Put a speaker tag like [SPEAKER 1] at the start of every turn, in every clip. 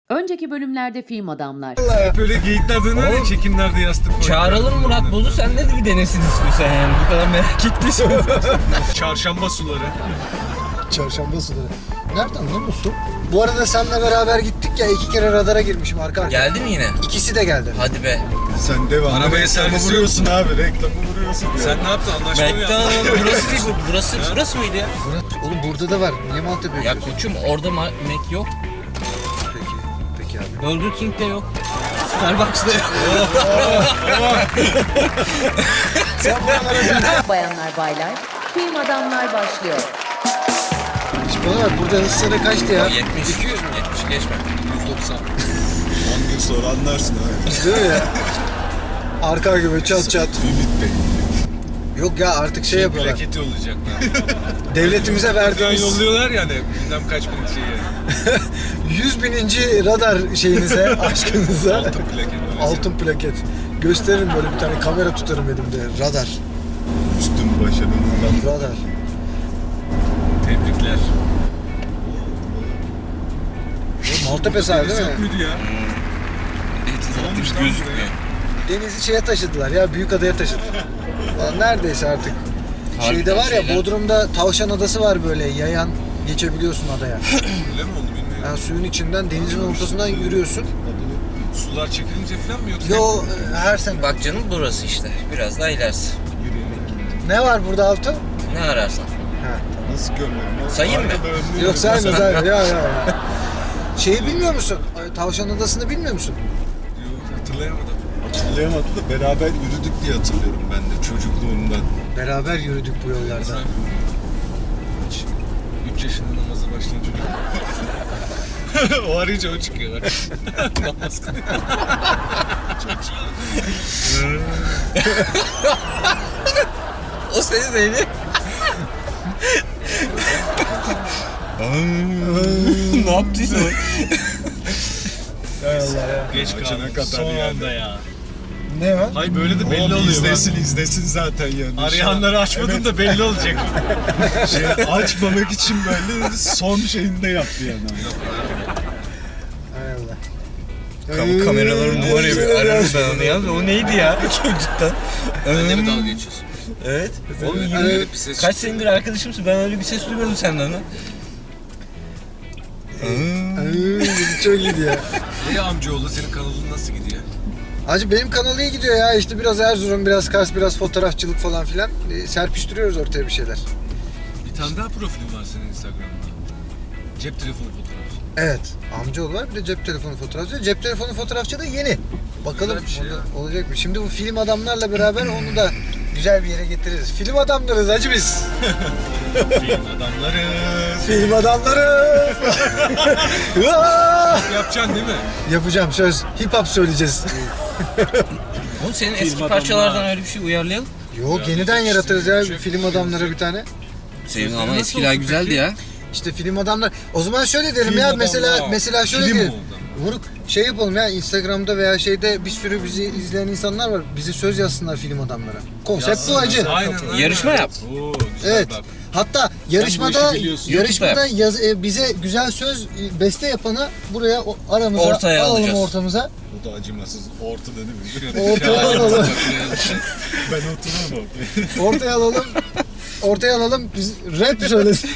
[SPEAKER 1] Önceki bölümlerde film adamlar.
[SPEAKER 2] Hep öyle geyikler döner ya, çekimlerde yastık koyuyor.
[SPEAKER 3] Çağıralım Murat Boz'u, sen de bir denesin istiyorsan yani. Bu kadar merak ettiysen.
[SPEAKER 2] Çarşamba suları.
[SPEAKER 4] Çarşamba suları. Nereden lan bu su? Bu arada seninle beraber gittik ya, 2 kere radara girmişim arka arkaya.
[SPEAKER 3] Geldi mi yine?
[SPEAKER 4] İkisi de geldi.
[SPEAKER 3] Hadi be.
[SPEAKER 5] Sen devam.
[SPEAKER 2] Arabaya
[SPEAKER 5] reklamı
[SPEAKER 2] servis
[SPEAKER 5] vuruyorsun abi. Reklamı vuruyorsun. Ya.
[SPEAKER 2] Sen ne yaptın, anlaşma mı yaptın?
[SPEAKER 3] McDonald's burası değil bu. Burası mıydı ya?
[SPEAKER 4] Oğlum burada da var. Niye Maltepe
[SPEAKER 3] Ya
[SPEAKER 4] yapıyorsun?
[SPEAKER 3] koçum orada Mac yok.
[SPEAKER 4] Peki abi.
[SPEAKER 3] Burger King'de yok. Starbucks'da yok.
[SPEAKER 1] Bayanlar baylar, film adamlar başlıyor.
[SPEAKER 4] İşte bana bak, burada hız sınırı kaçtı ya?
[SPEAKER 3] 70.
[SPEAKER 4] 200 mü?
[SPEAKER 3] 70 geçme.
[SPEAKER 2] 190.
[SPEAKER 5] 10 gün sonra anlarsın abi.
[SPEAKER 4] Değil mi ya? Arka gibi çat çat.
[SPEAKER 5] Ümit Bey.
[SPEAKER 4] Yok ya, artık şey yapıyorlar.
[SPEAKER 2] Plaket yollayacaklar.
[SPEAKER 4] Devletimize
[SPEAKER 2] Falan
[SPEAKER 4] verdiğimiz
[SPEAKER 2] yolluyorlar yani, bilmem kaç bin şeyi.
[SPEAKER 4] 100.000. radar şeyinize, aşkınıza.
[SPEAKER 2] Altın plaket.
[SPEAKER 4] Altın plaket. Gösteririm, böyle bir tane kamera tutarım elimde. Radar.
[SPEAKER 5] Üstün başarının.
[SPEAKER 4] Radar.
[SPEAKER 2] Tebrikler.
[SPEAKER 4] Maltepe sahibi değil
[SPEAKER 2] Yok
[SPEAKER 4] mi?
[SPEAKER 2] muydu ya? Olmuş lan
[SPEAKER 3] Gözükmüyor.
[SPEAKER 4] Denizi şeye taşıdılar ya, Büyükada'ya taşıdılar. Lan neredeyse artık.
[SPEAKER 3] Harbiden
[SPEAKER 4] Şeyde var ya,
[SPEAKER 3] şeyler.
[SPEAKER 4] Bodrum'da Tavşan Adası var, böyle yayan geçebiliyorsun adaya.
[SPEAKER 2] Öyle mi oldu bilmiyorum.
[SPEAKER 4] Yani suyun içinden, denizin ortasından yürüyorsun.
[SPEAKER 2] Sular çekilince falan mı yoksa?
[SPEAKER 4] Yo, her sene.
[SPEAKER 3] Bak canım burası işte. Biraz daha ilerisi.
[SPEAKER 4] Ne var burada Altı?
[SPEAKER 3] Ne ararsan.
[SPEAKER 5] Nasıl görmem?
[SPEAKER 3] Sayayım mı?
[SPEAKER 4] Yok sayma sayma ya. Şeyi bilmiyor musun? Tavşan Adası'nı bilmiyor musun?
[SPEAKER 2] Yok, hatırlayamadım.
[SPEAKER 5] Hatırlayamadım da beraber yürüdük diye hatırlıyorum ben de çocukluğumdan.
[SPEAKER 4] Beraber yürüdük bu yollarda.
[SPEAKER 2] 3 yaşında namaza başlayan çocuk. O arayınca o çıkıyor. Namaz kılıyor.
[SPEAKER 3] O seni neydi? Ne yaptıysa o.
[SPEAKER 4] Hay Allah ya.
[SPEAKER 2] Geç
[SPEAKER 5] Açana
[SPEAKER 2] kaldım.
[SPEAKER 5] kadar
[SPEAKER 2] Son
[SPEAKER 5] yani.
[SPEAKER 2] anda ya.
[SPEAKER 4] Ne var?
[SPEAKER 2] Hayır böyle de belli
[SPEAKER 5] Oğlum
[SPEAKER 2] oluyor.
[SPEAKER 5] izlesin zaten yani.
[SPEAKER 2] Arayanları açmadım da belli olacak.
[SPEAKER 5] Açmamak için böyle son şeyinde yaptı yani.
[SPEAKER 4] Hay Allah.
[SPEAKER 3] Kameraların var ya bir ararım ben onu ya. O neydi ya çocuktan?
[SPEAKER 2] Benle mi dalga geçiyorsun?
[SPEAKER 3] Evet. Oğlum
[SPEAKER 2] Evet, bir ses
[SPEAKER 3] kaç
[SPEAKER 2] çıktı.
[SPEAKER 3] senedir arkadaşımsın, ben öyle bir ses duymadım senden lan.
[SPEAKER 4] Çok iyiydi ya.
[SPEAKER 2] İyi amcaoğlu, senin kanalın nasıl gidiyor?
[SPEAKER 4] Hacı benim kanal iyi gidiyor ya. İşte biraz Erzurum, biraz Kars, biraz fotoğrafçılık falan filan. Serpiştiriyoruz ortaya bir şeyler.
[SPEAKER 2] Bir tane daha profilin var senin Instagram'da. Cep telefonu fotoğrafı.
[SPEAKER 4] Evet. Amcaoğlu var, bir de cep telefonu fotoğrafçı. Cep telefonu fotoğrafçı da yeni. Bakalım
[SPEAKER 2] Güzel bir şey
[SPEAKER 4] onda
[SPEAKER 2] ya.
[SPEAKER 4] olacak mı? Şimdi bu film adamlarla beraber onu da güzel bir yere getiririz. Film adamlarız hacı biz.
[SPEAKER 2] Film adamları.
[SPEAKER 4] Film adamlarız.
[SPEAKER 2] Yapacaksın değil mi?
[SPEAKER 4] Yapacağım, söz. Hip hop söyleyeceğiz.
[SPEAKER 3] Oğlum senin
[SPEAKER 2] Film
[SPEAKER 3] eski
[SPEAKER 2] adamlar.
[SPEAKER 3] parçalardan öyle bir şey uyarlayalım.
[SPEAKER 4] Yok, yeniden yaratırız ya film adamlara bir tane.
[SPEAKER 3] Senin
[SPEAKER 2] Sözleri
[SPEAKER 3] ama
[SPEAKER 2] nasıl
[SPEAKER 3] eskiler
[SPEAKER 2] olsun
[SPEAKER 3] güzeldi
[SPEAKER 2] peki?
[SPEAKER 3] ya.
[SPEAKER 4] İşte film adamlar. O zaman şöyle derim
[SPEAKER 2] Film
[SPEAKER 4] ya,
[SPEAKER 2] adamlar.
[SPEAKER 4] mesela şöyle
[SPEAKER 2] Film
[SPEAKER 4] diyelim.
[SPEAKER 2] oldu
[SPEAKER 4] Vuruk şey yapalım ya, Instagram'da veya şeyde bir sürü bizi izleyen insanlar var. Bize söz yazsınlar film adamlara. Konsept bu hacı.
[SPEAKER 2] Aynen.
[SPEAKER 3] Yarışma yap.
[SPEAKER 2] Oo, güzel
[SPEAKER 4] Evet.
[SPEAKER 2] bak.
[SPEAKER 4] Hatta yarışmada
[SPEAKER 2] işi biliyorsun.
[SPEAKER 4] yarışmada bize güzel söz beste yapanı buraya aramıza
[SPEAKER 3] Ortaya
[SPEAKER 4] alalım,
[SPEAKER 3] alacağız.
[SPEAKER 4] ortamıza.
[SPEAKER 5] O da acımasız. Ortada değil mi?
[SPEAKER 4] Ortaya alalım.
[SPEAKER 5] Ben otururum orada.
[SPEAKER 4] Ortaya alalım. Ortaya alalım. Biz rap söylesin.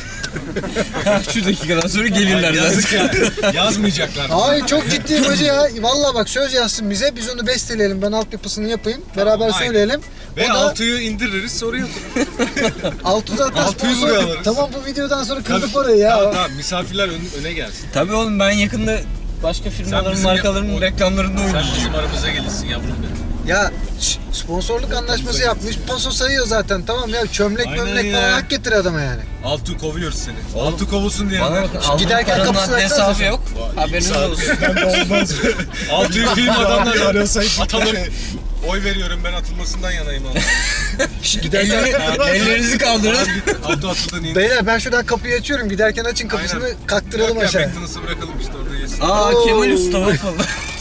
[SPEAKER 3] Şu dakikadan sonra gelirler zaten.
[SPEAKER 2] Yazık ya. Yazmayacaklar.
[SPEAKER 4] Ay çok ciddiyim hacı ya. Vallahi bak, söz yazsın bize. Biz onu besteleyelim. Ben altyapısını yapayım. Beraber
[SPEAKER 2] aynen.
[SPEAKER 4] söyleyelim.
[SPEAKER 2] Ve
[SPEAKER 4] O da
[SPEAKER 2] altıyı indiririz, soru yapın.
[SPEAKER 4] altı zaten
[SPEAKER 2] Altıyı
[SPEAKER 4] sponsor.
[SPEAKER 2] buraya alırız.
[SPEAKER 4] Tamam, bu videodan sonra kırdık orayı ya.
[SPEAKER 2] Tamam, misafirler öne gelsin.
[SPEAKER 3] Tabii oğlum, ben yakında başka firmaların,
[SPEAKER 2] bizim
[SPEAKER 3] markaların
[SPEAKER 2] o-
[SPEAKER 3] reklamlarında
[SPEAKER 2] Sen
[SPEAKER 3] oynayacağım.
[SPEAKER 2] bizim aramıza gelirsin yavrum benim.
[SPEAKER 4] Ya sponsorluk anlaşması yapmış. Paso sayıyor zaten. Tamam ya, çömlek
[SPEAKER 2] Aynen
[SPEAKER 4] mömlek
[SPEAKER 2] ya.
[SPEAKER 4] falan hak getir adama yani.
[SPEAKER 2] Altı kovuyoruz seni.
[SPEAKER 3] Oğlum,
[SPEAKER 2] Altı kovulsun diye.
[SPEAKER 3] Bana bakın, aldığım
[SPEAKER 4] giderken
[SPEAKER 3] paranın
[SPEAKER 4] kapısını
[SPEAKER 3] adli
[SPEAKER 4] açsanıza.
[SPEAKER 3] hesabı yok. Haberiniz olsun.
[SPEAKER 5] Ben de olmaz.
[SPEAKER 2] Altıyı film adamları
[SPEAKER 5] Arasaydık
[SPEAKER 2] atalım.
[SPEAKER 5] yani.
[SPEAKER 2] Oy veriyorum, ben atılmasından yanayım ama.
[SPEAKER 3] Ellerinizi kaldırın.
[SPEAKER 2] Altı atıldan in.
[SPEAKER 4] Beyler, ben şuradan kapıyı açıyorum. Giderken açın kapısını,
[SPEAKER 2] Aynen.
[SPEAKER 4] kaktıralım
[SPEAKER 2] Yok ya,
[SPEAKER 4] aşağıya.
[SPEAKER 2] McDonald's'ı bırakalım işte, orada yesin.
[SPEAKER 3] Aa, Kemal Usta var falan.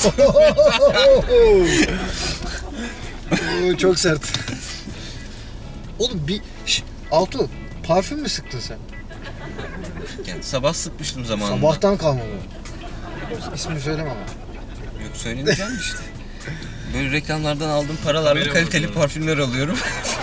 [SPEAKER 4] Oo, çok sert. Oğlum Altu, parfüm mü sıktın sen?
[SPEAKER 3] Yani sabah sıkmıştım zamanında.
[SPEAKER 4] Sabahtan kalma bu. İsmini söyleme ama.
[SPEAKER 3] Yok söylemeyeceğim işte. Böyle reklamlardan aldığım paralarla
[SPEAKER 2] Kamera
[SPEAKER 3] kaliteli
[SPEAKER 2] var.
[SPEAKER 3] parfümler alıyorum.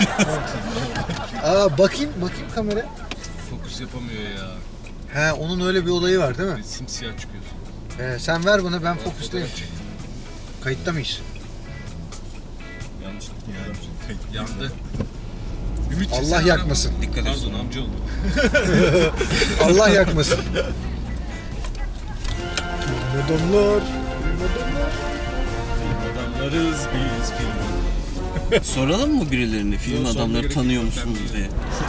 [SPEAKER 4] Aa bakayım kamera.
[SPEAKER 2] Fokus yapamıyor ya.
[SPEAKER 4] He onun öyle bir olayı var değil mi?
[SPEAKER 2] Simsiyah çıkıyorsun.
[SPEAKER 4] Sen ver bana ben fokustayım.
[SPEAKER 2] Fotoğraf çektim.
[SPEAKER 4] Kayıtta mıyız?
[SPEAKER 5] Yanlışlıkla
[SPEAKER 2] Yandı. Ümit
[SPEAKER 4] Allah
[SPEAKER 2] çeksene
[SPEAKER 4] yakmasın.
[SPEAKER 2] lan.
[SPEAKER 3] Dikkat et.
[SPEAKER 2] Pardon amca oldu.
[SPEAKER 4] Allah yakmasın. Adamlar.
[SPEAKER 5] Adamlarız biz film.
[SPEAKER 3] Soralım mı birilerine film
[SPEAKER 2] Yok, sorma
[SPEAKER 3] adamları
[SPEAKER 2] gerek
[SPEAKER 3] tanıyor
[SPEAKER 2] yok.
[SPEAKER 3] musunuz
[SPEAKER 2] Ben
[SPEAKER 3] diye.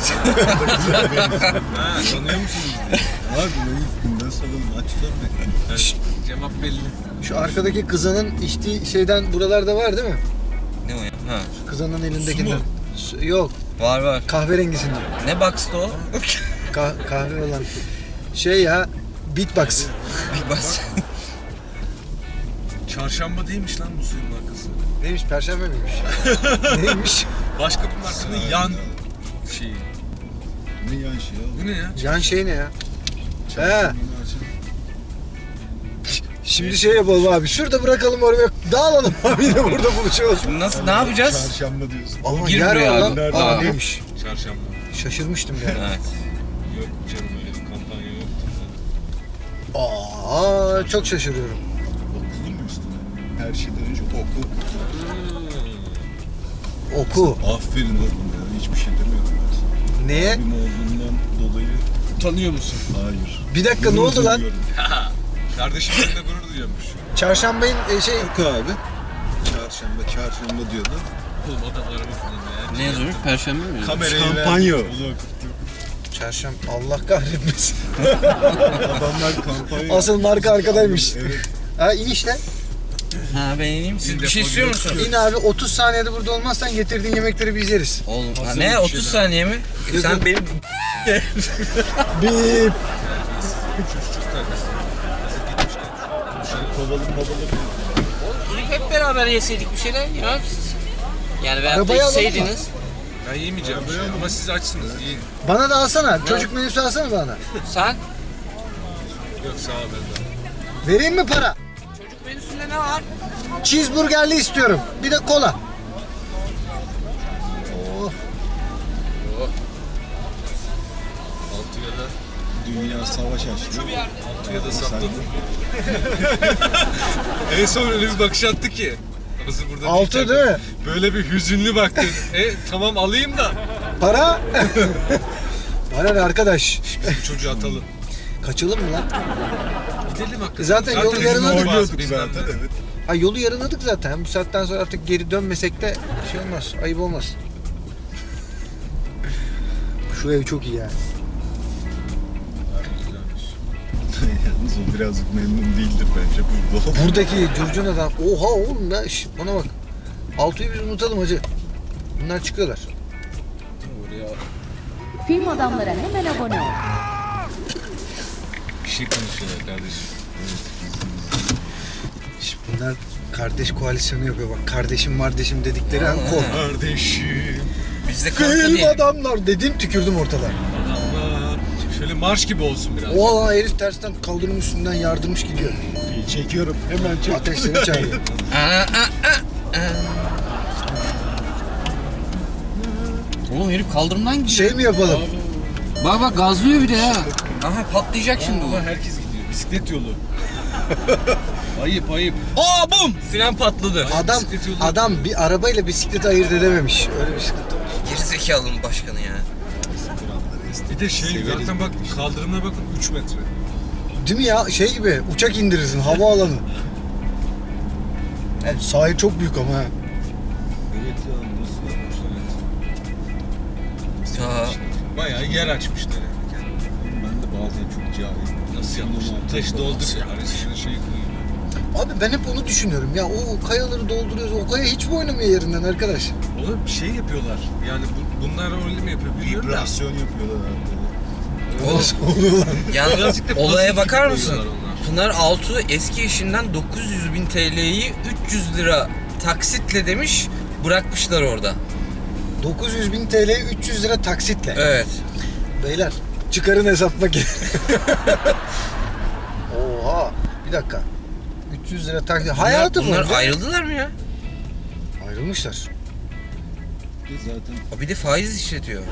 [SPEAKER 2] Ha tanıyor musunuz?
[SPEAKER 5] Abi bunu günden soralım. Aç sor.
[SPEAKER 2] Evet, cevap belli.
[SPEAKER 4] Şu arkadaki kızanın içtiği şeyden buralarda var değil mi?
[SPEAKER 3] Ne o ya? Ha.
[SPEAKER 4] Kızanın elindekinden. Yok
[SPEAKER 3] Var.
[SPEAKER 4] kahverengisinden.
[SPEAKER 3] Ne box'ta o?
[SPEAKER 4] Kahve olan. Şey ya beatbox.
[SPEAKER 3] Bir bas.
[SPEAKER 2] Çarşamba değilmiş lan bu suyun markası.
[SPEAKER 4] Neymiş perşembe miymiş? Neymiş?
[SPEAKER 2] Başka bir markanın yan şeyi.
[SPEAKER 5] Ne yan şey
[SPEAKER 2] Bu ne ya?
[SPEAKER 4] Yan şey ne ya? He.
[SPEAKER 5] ya?
[SPEAKER 4] Şimdi şey yapalım abi. Şurada bırakalım oraya. Dağılalım abi yine burada buluşalım.
[SPEAKER 3] Nasıl, ne yapacağız?
[SPEAKER 5] Çarşamba diyorsun.
[SPEAKER 4] Ama
[SPEAKER 3] Gir
[SPEAKER 4] yer
[SPEAKER 3] buraya
[SPEAKER 4] var
[SPEAKER 3] abi.
[SPEAKER 4] lan.
[SPEAKER 5] Nerede?
[SPEAKER 4] Aa neymiş?
[SPEAKER 2] Çarşamba.
[SPEAKER 4] Şaşırmıştım ya.
[SPEAKER 3] Evet.
[SPEAKER 2] Yok canım öyle bir kampanya yok.
[SPEAKER 4] Aa çok şaşırıyorum.
[SPEAKER 5] Okudun mu üstüne? Her şeyden önce oku.
[SPEAKER 4] Oku.
[SPEAKER 5] Aferin oğlum ya. Hiçbir şey demiyorum ben sana.
[SPEAKER 4] Neye?
[SPEAKER 5] Abim olduğundan dolayı
[SPEAKER 2] Tanıyor musun?
[SPEAKER 5] hayır.
[SPEAKER 4] Bir dakika ne oldu lan?
[SPEAKER 5] Duyuyorum.
[SPEAKER 2] Kardeşim benimle gurur duyuyormuş.
[SPEAKER 4] Çarşambayın şey
[SPEAKER 5] Oku abi. Çarşamba diyordu.
[SPEAKER 2] Oğlum adam araba kullanıyor ya.
[SPEAKER 3] Ne yazıyormuş? Perşembe mi?
[SPEAKER 2] Kamerayı
[SPEAKER 5] Kampanya.
[SPEAKER 2] ver.
[SPEAKER 5] Onu okuttu.
[SPEAKER 4] çarşamba Allah kahretmesin.
[SPEAKER 5] Adamlar kampanya.
[SPEAKER 4] Asıl marka arkadaymış.
[SPEAKER 5] Evet.
[SPEAKER 4] Ha in işte.
[SPEAKER 3] Ha ben ineyim. Siz
[SPEAKER 2] Bir
[SPEAKER 3] bir şey
[SPEAKER 2] defol
[SPEAKER 3] istiyor
[SPEAKER 2] yok.
[SPEAKER 3] musunuz?
[SPEAKER 4] İn abi 30 saniyede burada olmazsan getirdiğin yemekleri biz yeriz.
[SPEAKER 3] Oğlum ha,
[SPEAKER 2] Hazır
[SPEAKER 3] ne
[SPEAKER 2] bir
[SPEAKER 3] 30
[SPEAKER 2] şeyler.
[SPEAKER 3] saniye mi? Sen benim
[SPEAKER 4] Bip.
[SPEAKER 5] Kovalım
[SPEAKER 3] hep beraber yeseydik bir şeyler ya. Yani veyahut
[SPEAKER 4] Arabayı
[SPEAKER 3] da
[SPEAKER 4] alalım mı?
[SPEAKER 3] içseydiniz.
[SPEAKER 2] Ben yemeyeceğim bir şey ama siz açsınız yiyin.
[SPEAKER 4] Bana da alsana. Çocuk menüsü alsana bana.
[SPEAKER 3] Sen?
[SPEAKER 2] Yok sağ ol ben de.
[SPEAKER 4] Vereyim mi para?
[SPEAKER 3] Çocuk menüsünde ne var?
[SPEAKER 4] Cheeseburgerli istiyorum. Bir de kola. Oh.
[SPEAKER 2] Altıya da,
[SPEAKER 5] Dünya savaş açtı.
[SPEAKER 2] altıya da sapladım. En son öyle bir bakış attı ki. Arası burada
[SPEAKER 4] Altı
[SPEAKER 2] değilken
[SPEAKER 4] değil mi?
[SPEAKER 2] Böyle bir hüzünlü baktı. Tamam alayım da.
[SPEAKER 4] Para? Bana ne arkadaş?
[SPEAKER 2] Bu çocuğu atalım.
[SPEAKER 4] Kaçalım mı lan?
[SPEAKER 2] Gidelim hakikaten.
[SPEAKER 4] Zaten yolu
[SPEAKER 2] bizim
[SPEAKER 4] yarıladık.
[SPEAKER 2] olmaz,
[SPEAKER 5] Oynuyorduk
[SPEAKER 2] bilmem
[SPEAKER 5] zaten
[SPEAKER 2] ne.
[SPEAKER 5] evet.
[SPEAKER 4] Ha yolu yarıladık zaten. Bu saatten sonra artık geri dönmesek de şey olmaz. Ayıp olmaz. Şu ev çok iyi yani.
[SPEAKER 5] Yalnız o birazcık memnun değildir bence burada.
[SPEAKER 4] Buradaki curcun adam. Oha oğlum ya. Şş, bana bak. Altu'yu biz unutalım hacı. Bunlar çıkıyorlar.
[SPEAKER 1] Film adamlara hemen abone ol.
[SPEAKER 2] Bir şey konuşuyorlar kardeşim.
[SPEAKER 4] Şş, bunlar kardeş koalisyonu yapıyor bak. Kardeşim dedikleri an kork.
[SPEAKER 2] Kardeşim.
[SPEAKER 3] Biz de kanka
[SPEAKER 4] Film
[SPEAKER 3] diyelim.
[SPEAKER 4] adamlar dedim tükürdüm ortalığa.
[SPEAKER 2] Adamlar. Şöyle marş gibi olsun biraz.
[SPEAKER 4] Oha lan herif tersten kaldırım üstünden yardırmış gidiyor.
[SPEAKER 5] Çekiyorum. Hemen çek.
[SPEAKER 4] Ateş seni çağırıyor.
[SPEAKER 3] Oğlum herif kaldırımdan gidiyor.
[SPEAKER 4] Şey mi yapalım?
[SPEAKER 3] Bak gazlıyor bir de ha. Aha patlayacak şimdi bu.
[SPEAKER 2] Ama herkes gidiyor. Bisiklet yolu. Ayıp ayıp.
[SPEAKER 3] Aa bum! Fren patladı.
[SPEAKER 2] Bisiklet yolu
[SPEAKER 4] Adam bir arabayla bisikleti ayırt edememiş. Öyle bir sıkıntı var.
[SPEAKER 3] Gerizekalının başkanı ya.
[SPEAKER 2] Bir de şey zaten bak kaldırımına bakın 3 metre.
[SPEAKER 4] Değil mi ya? Şey gibi uçak indirirsin havaalanı. Evet, sahil çok büyük ama ha.
[SPEAKER 5] Evet ya nasıl yapmışlar?
[SPEAKER 3] Ta
[SPEAKER 2] Bayağı yer açmışlar yani.
[SPEAKER 5] Ben de bazen çok cahil.
[SPEAKER 2] Nasıl yapmışlar? Taş doldur ya. Arasına şey koyuyor.
[SPEAKER 4] Abi ben hep onu düşünüyorum. Ya o kayaları dolduruyoruz. O kaya hiç mi oynamıyor yerinden arkadaş?
[SPEAKER 2] Oğlum bir şey yapıyorlar. Yani bunlar öyle mi yapıyor bilmiyorum da.
[SPEAKER 5] Vibrasyon yapıyorlar abi.
[SPEAKER 4] Nasıl oluyor lan?
[SPEAKER 3] yalnız
[SPEAKER 2] Birazcık da
[SPEAKER 3] olaya
[SPEAKER 2] pozitif
[SPEAKER 3] bakar mısın?
[SPEAKER 2] koyuyorlar onlar.
[SPEAKER 3] Pınar Altuğ eski eşinden 900.000 TL'yi 300 lira taksitle demiş, bırakmışlar orada.
[SPEAKER 4] 900.000 TL 300 lira taksitle.
[SPEAKER 3] Evet.
[SPEAKER 4] Beyler çıkarın hesap makinesi. Oha. Bir dakika. 300 lira taksit. Hayatı
[SPEAKER 3] Bunlar
[SPEAKER 4] boyunca
[SPEAKER 3] ayrıldılar mı ya?
[SPEAKER 4] ayrılmışlar.
[SPEAKER 5] Zaten
[SPEAKER 3] Bir de faiz işletiyor.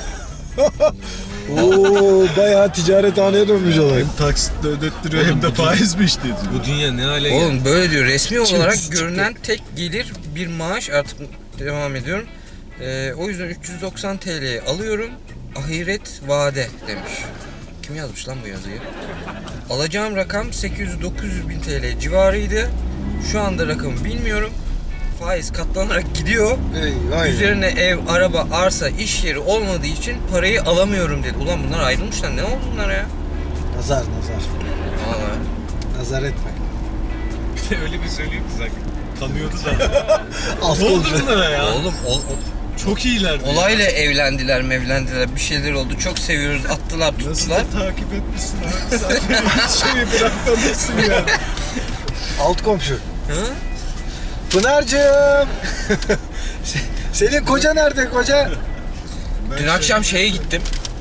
[SPEAKER 4] Oo bayağı ticarethaneye dönmüş olay.
[SPEAKER 5] hem taksitle ödettiriyor hem de faiz mi işte diyor.
[SPEAKER 2] Bu dünya ne hale geldi?
[SPEAKER 3] Oğlum böyle diyor. Resmi olarak
[SPEAKER 4] çıktı.
[SPEAKER 3] görünen tek gelir bir maaş. Artık devam ediyorum. O yüzden 390 TL'ye alıyorum. Ahiret vade demiş. Kim yazmış lan bu yazıyı? Alacağım rakam 800-900 bin TL civarıydı. Şu anda rakamı bilmiyorum. Faiz katlanarak gidiyor.
[SPEAKER 4] Aynen.
[SPEAKER 3] Üzerine ev, araba, arsa, iş yeri olmadığı için parayı alamıyorum dedi. Ulan bunlar ayrılmışlar. Ne oldu bunlara ya?
[SPEAKER 4] Nazar.
[SPEAKER 3] Vallahi.
[SPEAKER 4] Nazar etme.
[SPEAKER 2] Öyle bir söyleyeyim ki zaten.
[SPEAKER 5] Tanıyordu da.
[SPEAKER 4] Az
[SPEAKER 2] Ne oldu
[SPEAKER 4] konuşuyor.
[SPEAKER 2] bunlara ya?
[SPEAKER 3] Oğlum
[SPEAKER 5] Çok iyiler.
[SPEAKER 3] olayla evlendiler, bir şeyler oldu. Çok seviyoruz. Attılar,
[SPEAKER 5] Nasıl
[SPEAKER 3] tuttular.
[SPEAKER 5] da takip etmişsin abi sen. Hiç şeyi bırakmamışsın ya.
[SPEAKER 4] Alt komşu.
[SPEAKER 3] Hı?
[SPEAKER 4] Pınar'cığım. Senin koca nerede koca?
[SPEAKER 3] Dün akşam şeye gittim.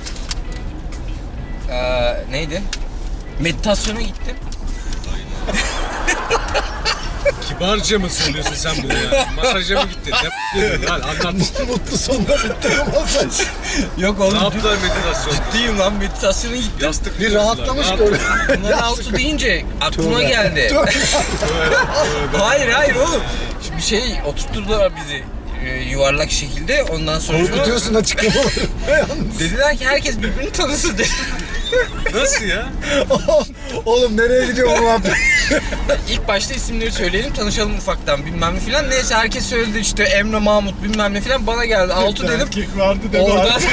[SPEAKER 3] Neydi? Meditasyona gittim.
[SPEAKER 2] Kibarca mı söylüyorsun sen bunu ya? Masaja mı gittin? Ne dedin lan? Anlat.
[SPEAKER 4] Mutlu sonla bitti masaj.
[SPEAKER 3] Yok
[SPEAKER 2] Ne
[SPEAKER 3] oğlum.
[SPEAKER 2] yaptılar meditasyon?
[SPEAKER 3] Ciddiyim lan, meditasyona gittim.
[SPEAKER 2] Yastık
[SPEAKER 4] Bir
[SPEAKER 2] mı
[SPEAKER 4] rahatlamış
[SPEAKER 2] yaptılar? Ne
[SPEAKER 4] gördüm.
[SPEAKER 3] Bunların altı deyince aklıma
[SPEAKER 4] Tövbe.
[SPEAKER 3] geldi.
[SPEAKER 4] Tövbe.
[SPEAKER 3] Hayır oğlum. Bir şey oturtturdular bizi yuvarlak şekilde. Ondan sonra
[SPEAKER 4] Korkutuyorsun açıklamaları.
[SPEAKER 3] dediler ki herkes birbirini tanısın dedi.
[SPEAKER 2] Nasıl ya?
[SPEAKER 4] Oğlum nereye gidiyor bu muhabbet?
[SPEAKER 3] İlk başta isimleri söyleyelim, tanışalım ufaktan bilmem ne filan. Neyse herkes söyledi işte Emre, Mahmut bilmem ne filan. Bana geldi Altu dedim.
[SPEAKER 5] Erkek vardı deme
[SPEAKER 3] Oradan
[SPEAKER 5] abi.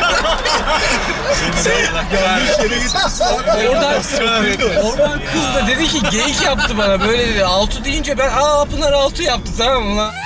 [SPEAKER 2] Yanlış
[SPEAKER 5] yere gitmişsin.
[SPEAKER 3] oradan kız da dedi ki geyik yaptı bana böyle dedi. Altu deyince ben Pınar Altu yaptı, tamam mı lan?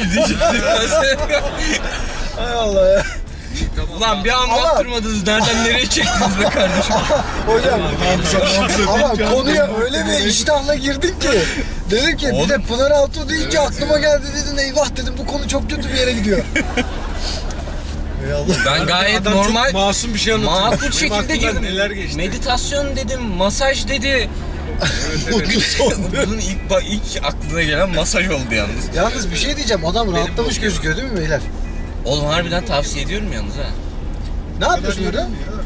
[SPEAKER 4] Hay Allah ya.
[SPEAKER 3] Ulan bir anlattırmadınız, nereden nereye çektiniz be kardeşim?
[SPEAKER 4] Hocam ama
[SPEAKER 5] Hamza
[SPEAKER 4] konuya öyle bir iştahla girdin ki. Dedim ki bir de Pınar Altuğ deyince aklıma geldi dedin, eyvah dedim bu konu çok kötü bir yere gidiyor. Ey Allah.
[SPEAKER 3] Ben gayet
[SPEAKER 2] Adam
[SPEAKER 3] normal,
[SPEAKER 2] çok masum bir şey anlatıyor.
[SPEAKER 3] makul
[SPEAKER 2] Benim
[SPEAKER 3] şekilde
[SPEAKER 2] aklımdan
[SPEAKER 3] girdim.
[SPEAKER 2] neler geçti.
[SPEAKER 3] Meditasyon dedim, masaj dedi.
[SPEAKER 4] Mutlu son.
[SPEAKER 3] Bunun ilk aklına gelen masaj oldu yalnız.
[SPEAKER 4] Yalnız bir şey diyeceğim, adam rahatlamış gözüküyor değil mi beyler?
[SPEAKER 3] Oğlum harbiden tavsiye ediyorum yalnız ha.
[SPEAKER 4] Ne yapıyorsun orada?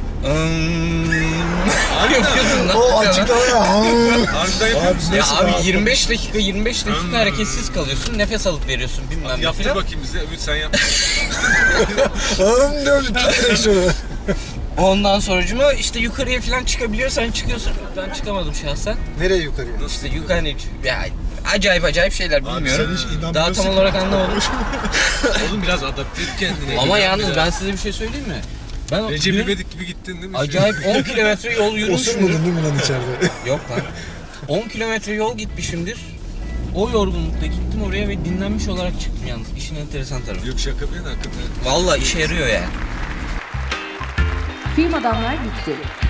[SPEAKER 3] Yapıyorsun lan.
[SPEAKER 4] O açıklamaya.
[SPEAKER 2] Harbiden yapıyor musun?
[SPEAKER 3] Ya abi 25 dakika hareketsiz kalıyorsun, nefes alıp veriyorsun bilmem ne
[SPEAKER 2] Yaptır
[SPEAKER 3] filan.
[SPEAKER 2] bakayım bize. Ümit sen yap.
[SPEAKER 4] Diyorum direkt şunu.
[SPEAKER 3] Ondan sonracıma işte yukarıya falan çıkabiliyorsan çıkıyorsun. Ben çıkamadım şahsen.
[SPEAKER 4] Nereye yukarıya?
[SPEAKER 3] İşte yukarı ya acayip şeyler
[SPEAKER 5] Abi
[SPEAKER 3] bilmiyorum.
[SPEAKER 5] sen hiç inanmıyorsun.
[SPEAKER 3] Daha tam olarak anlamadım.
[SPEAKER 2] Oğlum biraz adapte et kendini.
[SPEAKER 3] Ama yalnız ben size bir şey söyleyeyim mi? Ben
[SPEAKER 2] Recep
[SPEAKER 3] dün
[SPEAKER 2] İvedik gibi gittin değil mi?
[SPEAKER 3] acayip 10 kilometre yol yürümüşümdür.
[SPEAKER 4] Osurmadın değil mi lan içeride?
[SPEAKER 3] Yok lan. 10 kilometre yol gitmişimdir. O yorgunlukta gittim oraya ve dinlenmiş olarak çıktım yalnız. İşin enteresan tarafı.
[SPEAKER 2] Yok şaka bir yana hakikaten.
[SPEAKER 3] Vallahi işe yarıyor yani.
[SPEAKER 1] Film Adamlar bitti.